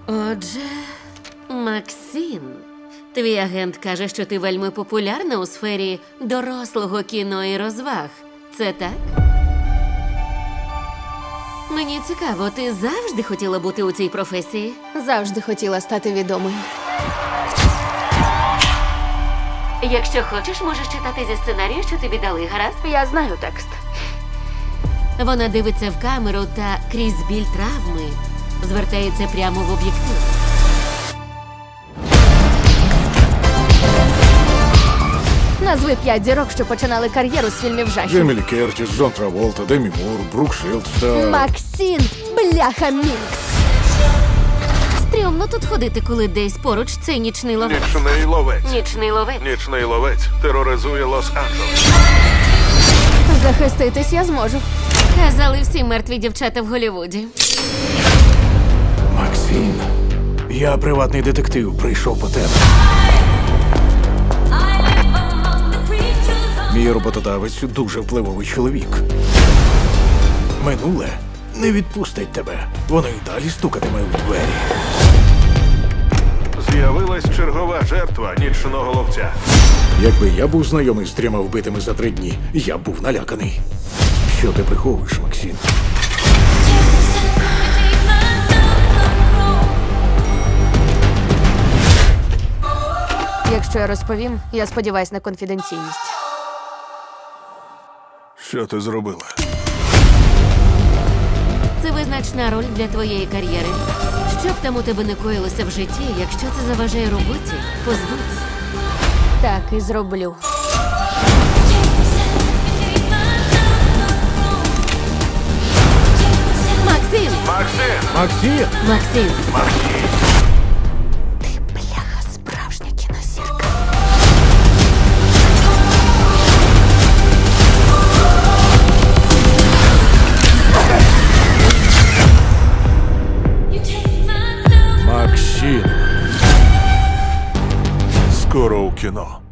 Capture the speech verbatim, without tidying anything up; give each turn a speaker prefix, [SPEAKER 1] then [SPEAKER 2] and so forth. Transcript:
[SPEAKER 1] Отже, Максим, твій агент каже, що ти вельми популярна у сфері дорослого кіно і розваг. Це так? Мені цікаво, ти завжди хотіла бути у цій професії?
[SPEAKER 2] Завжди хотіла стати відомою.
[SPEAKER 1] Якщо хочеш, можеш читати зі сценарію, що тобі дали, гаразд?
[SPEAKER 2] Я знаю текст.
[SPEAKER 1] Вона дивиться в камеру та крізь біль травми звертається прямо в об'єктив.
[SPEAKER 2] Назви п'ять зірок, що починали кар'єру з фільмів жахів.
[SPEAKER 3] Джемілі Кертіс, Джон Траволта, Демі Мур, Брук Шилдс та...
[SPEAKER 2] Максим, бляха Мінкс.
[SPEAKER 1] Стрьомно тут ходити, коли десь поруч цей нічний ловець.
[SPEAKER 4] Нічний ловець.
[SPEAKER 1] Нічний ловець.
[SPEAKER 4] Нічний ловець тероризує Лос-Анджелес.
[SPEAKER 2] Захиститись я зможу.
[SPEAKER 1] Казали всі мертві дівчата в Голлівуді.
[SPEAKER 3] Максим, я приватний детектив, прийшов по тебе. Мій роботодавець дуже впливовий чоловік. Минуле не відпустить тебе. Воно й далі стукатиме в двері.
[SPEAKER 4] З'явилась чергова жертва нічного ловця.
[SPEAKER 3] Якби я був знайомий з трьома вбитими за три дні, я б був наляканий. Що ти приховуєш, Максим?
[SPEAKER 2] Якщо я розповім, я сподіваюсь на конфіденційність.
[SPEAKER 4] Що ти зробила?
[SPEAKER 1] Це визначна роль для твоєї кар'єри. Що б там у тебе не коїлося в житті, якщо це заважає роботі, позбудься.
[SPEAKER 2] Так і зроблю.
[SPEAKER 1] Максим!
[SPEAKER 4] Максим!
[SPEAKER 3] Максим!
[SPEAKER 1] Максим!
[SPEAKER 4] Максим!
[SPEAKER 2] Бляха, справжня кінозірка.
[SPEAKER 3] Максим!
[SPEAKER 4] Скоро у кіно.